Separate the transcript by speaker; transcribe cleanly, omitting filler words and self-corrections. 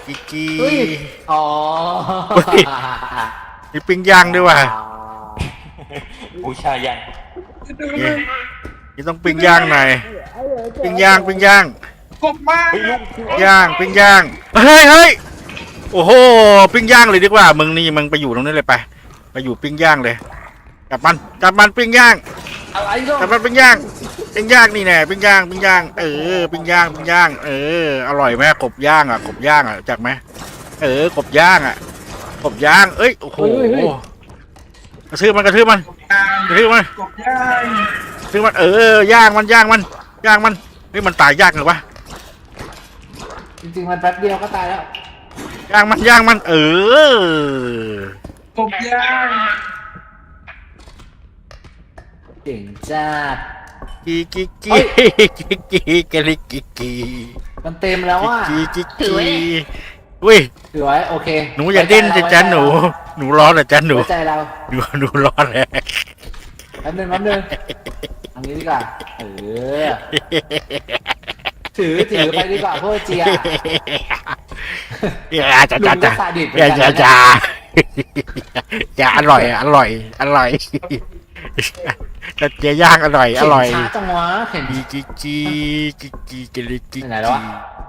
Speaker 1: กิกกี
Speaker 2: เฮ้ยอ๋อ
Speaker 1: มีปิ้งย่างด้วยว่ะ
Speaker 3: บูชายัน
Speaker 1: นี่ต้องปิ้งย่างหน่อยปิ้งย่าง
Speaker 4: กบมาก
Speaker 1: ย่างปิ้งย่างเฮ้ยโอ้โหปิ้งย่างเลยดีกว่ามึงนี่มึงไปอยู่ตรงนี้เลยไปอยู่ปิ้งย่างเลยจับมันปิ้งย่าง
Speaker 2: อะไรก็
Speaker 1: จับมันปิ้งย่างนี่แน่ปิ้งย่างปิ้งย่างปิ้งย่างอร่อยไหมกบย่างอ่ะจักไหมกบย่างอ่ะกบย่างเอ้ยโอ้โหกระทืบมัน
Speaker 4: กบย่าง
Speaker 1: ซื้อมันย่างมันนี่มันตายยากเหรอวะ
Speaker 2: จริงๆมันแป๊บเดียวก็ตายแล้ว
Speaker 1: ย่างมัน
Speaker 4: กบย่าง
Speaker 2: เก่งจัด
Speaker 1: กี
Speaker 2: มันเต็มแล้วอ่ะ
Speaker 1: อุ้ย
Speaker 2: ถือไว้โอเค
Speaker 1: หนูอย่าดิ้นสิจ๊ะหนูร้อนเหรอจ๊ะหนู
Speaker 2: ไว้ใจเรา
Speaker 1: หนูร้อนเลย
Speaker 2: แป๊บนึงอันนี้ดีกว่าถือไปดีกว่าพวกเจีย
Speaker 1: อย่าอร่อยแต่เจียย่างอร่อย
Speaker 2: ช้าจังวะเห็น
Speaker 1: กี
Speaker 2: ไหนแล้ววะ